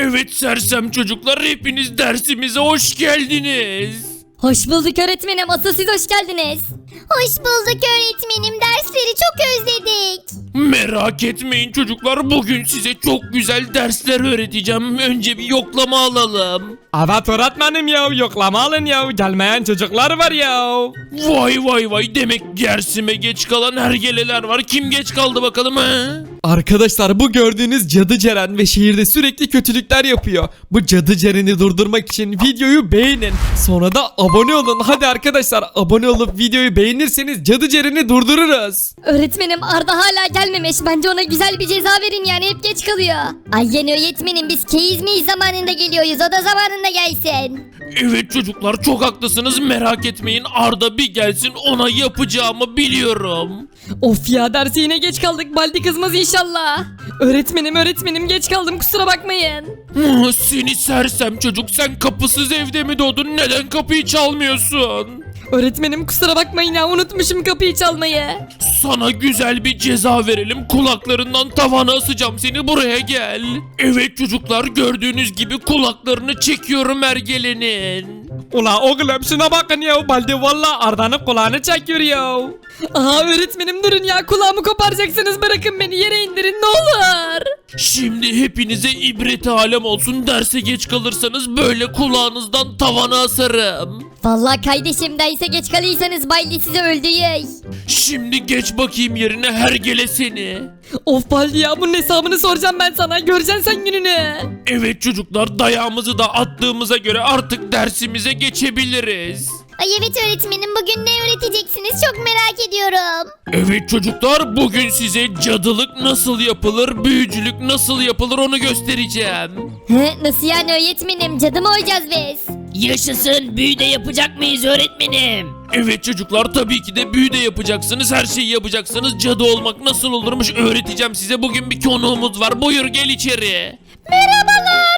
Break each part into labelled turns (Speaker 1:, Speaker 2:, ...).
Speaker 1: Evet sersem çocuklar, hepiniz dersimize hoş geldiniz.
Speaker 2: Hoş bulduk öğretmenim. Asıl siz hoş geldiniz.
Speaker 3: Hoş bulduk öğretmenim. Dersleri çok özledik.
Speaker 1: Merak etmeyin çocuklar, bugün size çok güzel dersler öğreteceğim. Önce bir yoklama alalım.
Speaker 4: Evet öğretmenim ya, yoklama alın ya, gelmeyen çocuklar var ya.
Speaker 1: Vay vay vay, demek dersime geç kalan hergeleler var. Kim geç kaldı bakalım ha?
Speaker 4: Arkadaşlar, bu gördüğünüz Cadı Ceren ve şehirde sürekli kötülükler yapıyor. Bu Cadı Ceren'i durdurmak için videoyu beğenin. Sonra da abone olun. Hadi arkadaşlar, abone olup videoyu beğenirseniz Cadı Ceren'i durdururuz.
Speaker 2: Öğretmenim Arda hala gelmemiş. Bence ona güzel bir ceza verin, yani hep geç kalıyor.
Speaker 3: Aynen öğretmenim, biz keyiz miyiz zamanında geliyoruz. O da zamanında gelsin.
Speaker 1: Evet çocuklar, çok haklısınız, merak etmeyin. Arda bir gelsin, ona yapacağımı biliyorum.
Speaker 2: Of ya, derse yine geç kaldık. Baldi kızmaz inşallah. Öğretmenim geç kaldım, kusura bakmayın.
Speaker 1: Seni sersem çocuk, sen kapısız evde mi doğdun? Neden kapıyı çalmıyorsun?
Speaker 2: Öğretmenim kusura bakmayın ya, unutmuşum kapıyı çalmayı.
Speaker 1: Sana güzel bir ceza verelim. Kulaklarından tavana asacağım seni, buraya gel. Evet çocuklar, gördüğünüz gibi kulaklarını çekiyorum ergelenin.
Speaker 4: Ula oğlum, şuna bakın ya, Baldi valla Arda'nın kulağını çekiyor ya.
Speaker 2: Aha öğretmenim durun ya, kulağımı koparacaksınız, bırakın beni yere indirin ne olur.
Speaker 1: Şimdi hepinize ibret alem olsun, derse geç kalırsanız böyle kulağınızdan tavana asarım.
Speaker 3: Vallahi kardeşim, derse geç kalıysanız Baldi sizi öldürür.
Speaker 1: Şimdi geç bakayım yerine hergele seni.
Speaker 2: Of Baldi ya, bunun hesabını soracağım ben sana, göreceksin sen gününü.
Speaker 1: Evet çocuklar, dayağımızı da attığımıza göre artık dersimize geçebiliriz.
Speaker 3: Ay evet öğretmenim, bugün ne öğreteceksiniz çok merak ediyorum.
Speaker 1: Evet çocuklar, bugün size cadılık nasıl yapılır, büyücülük nasıl yapılır onu göstereceğim.
Speaker 3: Nasıl yani öğretmenim, cadı mı olacağız biz?
Speaker 5: Yaşasın, büyü de yapacak mıyız öğretmenim?
Speaker 1: Evet çocuklar, tabii ki de büyü de yapacaksınız, her şeyi yapacaksınız. Cadı olmak nasıl olurmuş öğreteceğim size. Bugün bir konuğumuz var, buyur gel içeri.
Speaker 3: Merhabalar.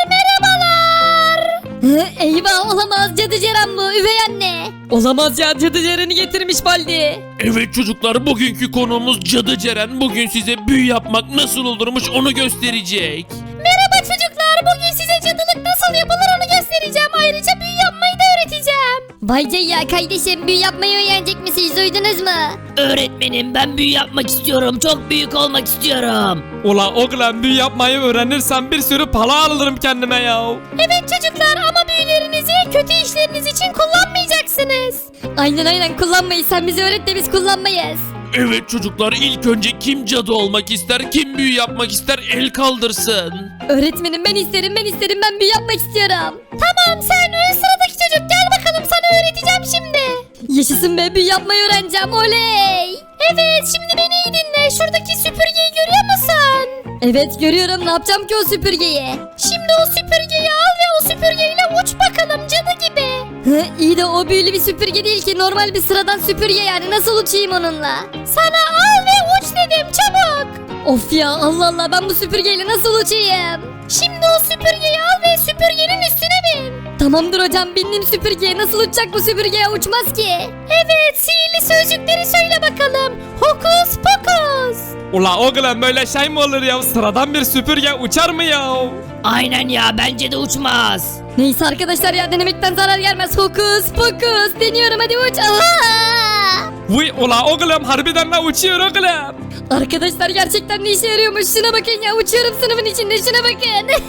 Speaker 2: Eyvah, olamaz, cadı Ceren bu, üvey anne. Olamaz ya, cadı Ceren'i getirmiş Baldi.
Speaker 1: Evet çocuklar, bugünkü konuğumuz Cadı Ceren. Bugün size büyü yapmak nasıl olurmuş onu gösterecek.
Speaker 3: Merhaba çocuklar, bugün size cadılık nasıl yapılır onu göstereceğim. Ayrıca büyü yapmayı da öğreteceğim.
Speaker 2: Vay ya kardeşim, büyü yapmayı öğrenecek misiniz, duydunuz mu?
Speaker 5: Öğretmenim, ben büyü yapmak istiyorum. Çok büyük olmak istiyorum.
Speaker 4: Ula oğlum, büyü yapmayı öğrenirsem bir sürü para alırım kendime ya.
Speaker 3: Evet çocuklar, ama büyülerinizi kötü işleriniz için kullanmayacaksınız.
Speaker 2: Aynen kullanmayız, sen bizi öğret de biz kullanmayız.
Speaker 1: Evet çocuklar, ilk önce kim cadı olmak ister, kim büyü yapmak ister, el kaldırsın.
Speaker 2: Öğretmenim ben isterim, ben büyü yapmak istiyorum.
Speaker 3: Tamam, sen sıradaki çocuk, gel bakalım, sana öğreteceğim şimdi.
Speaker 2: Yaşasın be, büyü yapmayı öğreneceğim, oley.
Speaker 3: Evet, şimdi beni iyi dinle, şuradaki süpürgeyi görüyor musun?
Speaker 2: Evet görüyorum, ne yapacağım ki o süpürgeyi?
Speaker 3: Şimdi o süpürgeyi al ve o süpürgeyle uç bakalım cadı gibi.
Speaker 2: İyi de o büyülü bir süpürge değil ki, normal bir sıradan süpürge, yani nasıl uçayım onunla?
Speaker 3: Sana al ve uç dedim, çabuk.
Speaker 2: Of ya, Allah Allah, ben bu süpürgeyle nasıl uçayım?
Speaker 3: Şimdi o süpürgeyi al ve süpürgenin üstüne bin.
Speaker 2: Tamamdır hocam, bindim süpürgeye, nasıl uçacak bu süpürgeye, uçmaz ki.
Speaker 3: Evet, sihirli sözcükleri söyle bakalım. Hokus pokus.
Speaker 4: Ula oğlum, böyle şey mi olur ya? Sıradan bir süpürge uçar mı ya?
Speaker 5: Aynen ya, bence de uçmaz.
Speaker 2: Neyse arkadaşlar ya, denemekten zarar gelmez, hokus pokus, deniyorum, hadi uç. Allah!
Speaker 4: Vay ula oğlum, harbiden de uçuyor oğlum.
Speaker 2: Arkadaşlar gerçekten ne işe yarıyormuş, şuna bakın ya, uçuyorum sınıfın içinde, şuna bakın.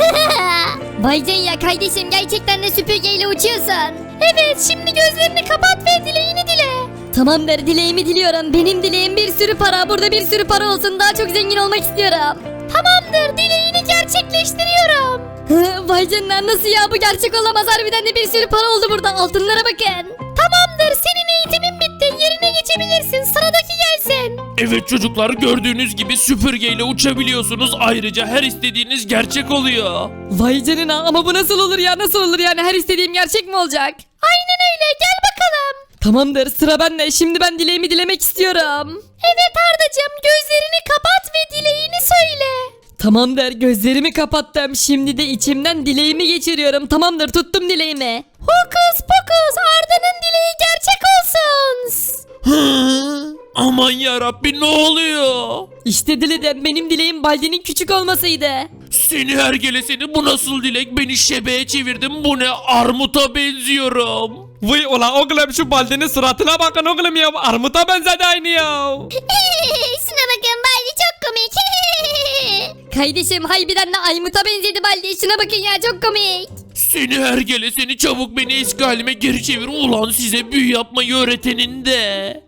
Speaker 3: Vay ya kardeşim, gerçekten de süpürgeyle uçuyorsun. Evet, şimdi gözlerini kapat ve dileğini dile.
Speaker 2: Tamamdır, dileğimi diliyorum. Benim dileğim bir sürü para, burada bir sürü para olsun, daha çok zengin olmak istiyorum.
Speaker 3: Tamamdır, dileğini gerçekleştiriyorum.
Speaker 2: Vay canına, nasıl ya, bu gerçek olamaz, harbiden de bir sürü para oldu burada, altınlara bakın.
Speaker 3: Tamamdır, senin eğitimin bitti, yerine geçebilirsin, sıradaki gelsin.
Speaker 1: Evet çocuklar, gördüğünüz gibi süpürgeyle uçabiliyorsunuz. Ayrıca her istediğiniz gerçek oluyor.
Speaker 2: Vay canına, ama bu nasıl olur ya, nasıl olur yani, her istediğim gerçek mi olacak?
Speaker 3: Aynen öyle, gel bakalım.
Speaker 2: Tamamdır, sıra bende, şimdi ben dileğimi dilemek istiyorum.
Speaker 3: Evet Ardacığım, gözlerini kapat ve dileğini söyle.
Speaker 2: Tamamdır, gözlerimi kapattım, şimdi de içimden dileğimi geçiriyorum. Tamamdır, tuttum dileğimi.
Speaker 3: Hokus pokus, Arda'nın dileği gerçek olsun.
Speaker 1: Hı? Aman yarabbi ne oluyor?
Speaker 2: İşte diledim, benim dileğim Baldi'nin küçük olmasıydı.
Speaker 1: Seni hergele seni, bu nasıl dilek? Beni şebeğe çevirdin, bu ne? Armuta benziyorum.
Speaker 4: Vay ula oğlum şu Baldi'nin suratına bakın oğlum ya. Armuta benzedi aynı ya.
Speaker 3: Şuna bakın Baldi çok komik.
Speaker 2: Kardeşim harbiden de Aymut'a benzedi Baldi. Şuna bakın ya, çok komik.
Speaker 1: Seni hergele seni, çabuk beni eski halime geri çevir. Ulan size büyü yapmayı öğretenin de.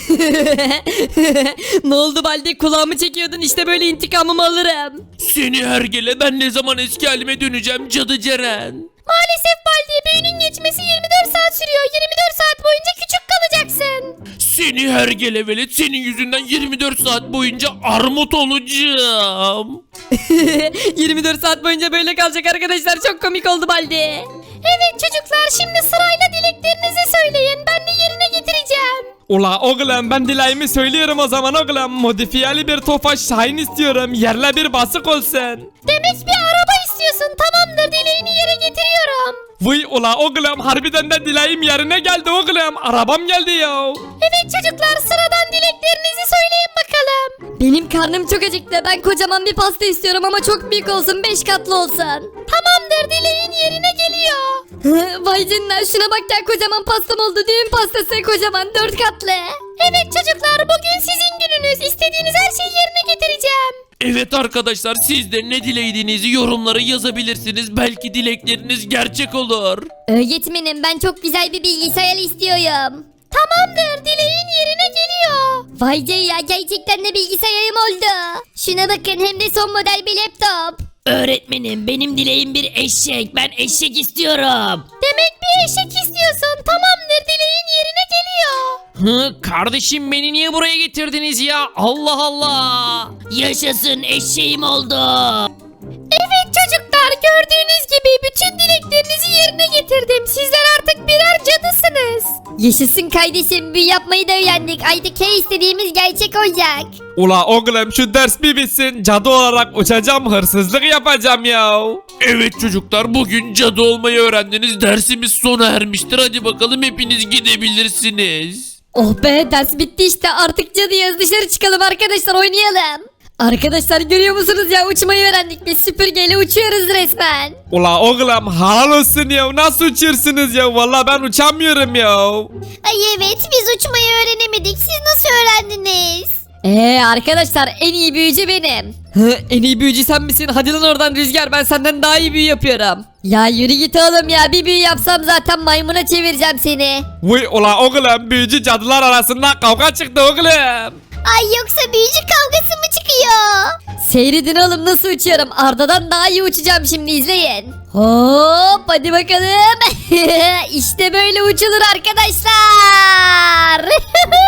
Speaker 2: Ne oldu Baldi, kulağımı çekiyordun, işte böyle intikamımı alırım.
Speaker 1: Seni hergele, ben ne zaman eski halime döneceğim cadı Ceren?
Speaker 3: Maalesef Baldi, büyünün geçmesi 24 saat sürüyor. 24 saat boyunca küçük kalacaksın.
Speaker 1: Seni hergele velet, senin yüzünden 24 saat boyunca armut olacağım.
Speaker 2: 24 saat boyunca böyle kalacak arkadaşlar, çok komik oldu Baldi.
Speaker 3: Evet çocuklar, şimdi sırayla dileklerinizi söyleyin. Ben de yerine getireceğim.
Speaker 4: Ula oğlum ben dileğimi söylüyorum o zaman oğlum. Modifiyeli bir Tofaş Şahin istiyorum. Yerle bir basık olsun.
Speaker 3: Demek bir araba istiyorsun. Tamamdır, dileğini yere getiriyorum.
Speaker 4: Vay ula oğlum harbiden de dileğim yerine geldi oğlum. Arabam geldi ya.
Speaker 3: Evet çocuklar, sıradan dileklerinizi söyleyin bakalım.
Speaker 2: Benim karnım çok acıktı, ben kocaman bir pasta istiyorum ama çok büyük olsun, 5 katlı olsun.
Speaker 3: Tamamdır, dileğin yerine geliyor.
Speaker 2: Vay canına, şuna bak ya, kocaman pastam oldu, düğün pastası, kocaman 4 katlı.
Speaker 3: Evet çocuklar, bugün sizin gününüz. İstediğiniz her şeyi yerine getireceğim.
Speaker 1: Evet arkadaşlar, siz de ne dilediğinizi yorumlara yazabilirsiniz. Belki dilekleriniz gerçek olur.
Speaker 3: Öğretmenim, ben çok güzel bir bilgisayar istiyorum. Tamamdır, dileğin yerine geliyor.
Speaker 2: Vay ya, gerçekten de bilgisayarım oldu.
Speaker 3: Şuna bakın, hem de son model bir laptop.
Speaker 5: Öğretmenim benim dileğim bir eşek. Ben eşek istiyorum.
Speaker 3: Demek bir eşek istiyorsun. Tamamdır, dileğin yerine geliyor.
Speaker 1: Kardeşim beni niye buraya getirdiniz ya? Allah Allah.
Speaker 5: Yaşasın, eşeğim oldu.
Speaker 3: Evet çocuklar, gördüğünüz gibi bütün dileklerinizi yerine getirdim. Sizler artık birer cadısınız.
Speaker 2: Yaşasın kardeşim, büyü yapmayı da öğrendik. Artık her istediğimiz gerçek olacak.
Speaker 4: Ula oğlum şu ders bir bitsin. Cadı olarak uçacağım, hırsızlık yapacağım ya.
Speaker 1: Evet çocuklar, bugün cadı olmayı öğrendiniz. Dersimiz sona ermiştir. Hadi bakalım, hepiniz gidebilirsiniz.
Speaker 2: Oh be, ders bitti işte, artık cadıyız, dışarı çıkalım arkadaşlar, oynayalım. Arkadaşlar görüyor musunuz ya, uçmayı öğrendik, biz süpürgeyle uçuyoruz resmen.
Speaker 4: Ula oğlum halal olsun ya. Nasıl uçuyorsunuz ya? Vallahi ben uçamıyorum ya.
Speaker 3: Ay evet, biz uçmayı öğrenemedik. Siz nasıl öğrendiniz?
Speaker 2: Arkadaşlar en iyi büyücü benim. En iyi büyücü sen misin? Hadi lan oradan Rüzgar, ben senden daha iyi büyü yapıyorum. Ya yürü git oğlum ya, bir büyü yapsam zaten maymuna çevireceğim seni.
Speaker 4: Vay ula oğlum büyücü cadılar arasında kavga çıktı oğlum.
Speaker 3: Ay yoksa büyücü kavgası mı çıkıyor?
Speaker 2: Seyredin oğlum nasıl uçuyorum, Arda'dan daha iyi uçacağım, şimdi izleyin. Hop hadi bakalım. İşte böyle uçulur arkadaşlar.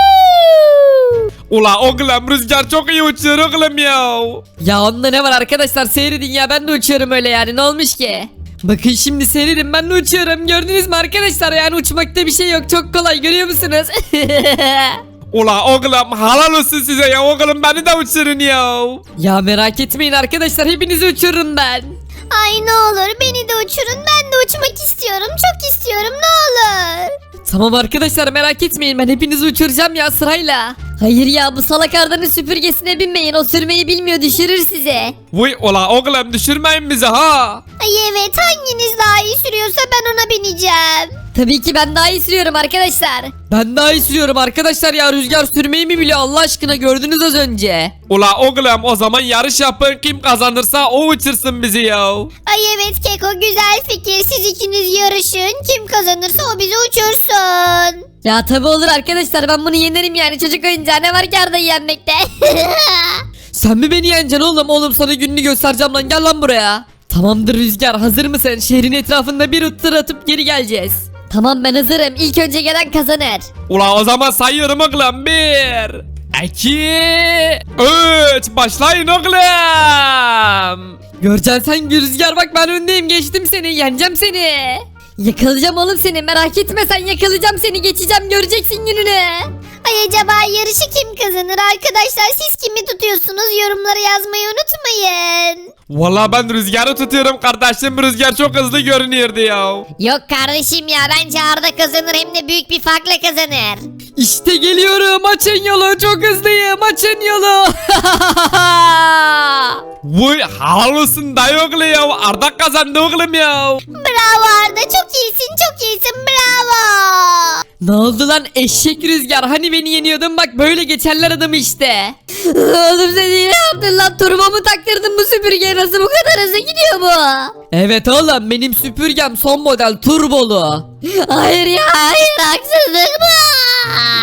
Speaker 4: Ula oğlum Rüzgar çok iyi uçuyor oğlum ya.
Speaker 2: Ya onda ne var arkadaşlar, seyredin ya, ben de uçuyorum öyle yani, ne olmuş ki? Bakın şimdi seyredin, ben de uçuyorum, gördünüz mü arkadaşlar, yani uçmakta bir şey yok, çok kolay, görüyor musunuz?
Speaker 4: Ula oğlum halal olsun size ya oğlum, beni de uçurun ya.
Speaker 2: Ya merak etmeyin arkadaşlar, hepinizi uçururum ben.
Speaker 3: Ay ne olur beni de uçurun. Ben de uçmak istiyorum. Çok istiyorum, ne olur.
Speaker 2: Tamam arkadaşlar, merak etmeyin, ben hepinizi uçuracağım ya, sırayla. Hayır ya, bu salak Arda'nın süpürgesine binmeyin, o sürmeyi bilmiyor, düşürür sizi.
Speaker 4: Vay ula oğlum düşürmeyin bizi ha.
Speaker 3: Ay evet, hanginiz daha iyi sürüyorsa ben ona bineceğim.
Speaker 2: Tabii ki ben daha iyi sürüyorum arkadaşlar. Ben daha iyi sürüyorum arkadaşlar ya, Rüzgar sürmeyi mi biliyor Allah aşkına, gördünüz az önce.
Speaker 4: Ula oğlum o zaman yarış yapın, kim kazanırsa o uçursun bizi ya.
Speaker 3: Ay evet Keko, güzel fikir. Siz ikiniz yarışın. Kim kazanırsa o bizi uçursun.
Speaker 2: Ya tabi olur arkadaşlar, ben bunu yenerim yani, çocuk oyuncağı ne var ki Arda'yı yenmekte. Sen mi beni yeneceksin oğlum? Oğlum sana gününü göstereceğim lan, gel lan buraya. Tamamdır Rüzgar, hazır mısın? Şehrin etrafında bir tur atıp geri geleceğiz. Tamam ben hazırım, ilk önce gelen kazanır.
Speaker 4: Ula o zaman sayıyorum oğlum. 1 2 3 başlayın oğlum.
Speaker 2: Göreceksin sen Rüzgar, bak ben öndeyim, geçtim seni, yeneceğim seni. Yakalayacağım oğlum seni, merak etme sen, yakalayacağım seni, geçeceğim, göreceksin gününü.
Speaker 3: Ay acaba yarışı kim kazanır arkadaşlar? Siz kimi tutuyorsunuz? Yorumlara yazmayı unutmayın.
Speaker 4: Valla ben Rüzgar'ı tutuyorum kardeşim. Rüzgar çok hızlı görünüyordu ya.
Speaker 3: Yok kardeşim ya bence Arda kazanır hem de büyük bir farkla kazanır.
Speaker 2: İşte geliyorum, açın yolu, çok hızlıyım, açın yolu.
Speaker 4: Vay havalısın dayı oğlu ya. Arda kazandı oğlum ya.
Speaker 3: Bravo Arda çok iyisin bravo.
Speaker 2: Ne oldu lan eşek Rüzgar, hani beni yeniyordun, bak böyle geçerler adamı işte. Oğlum sen iyi yaptın lan, turbomu taktırdın, bu süpürge nasıl bu kadar hızlı gidiyor bu? Evet oğlum, benim süpürgem son model turbolu.
Speaker 3: Hayır ya hayır haksızlık bu.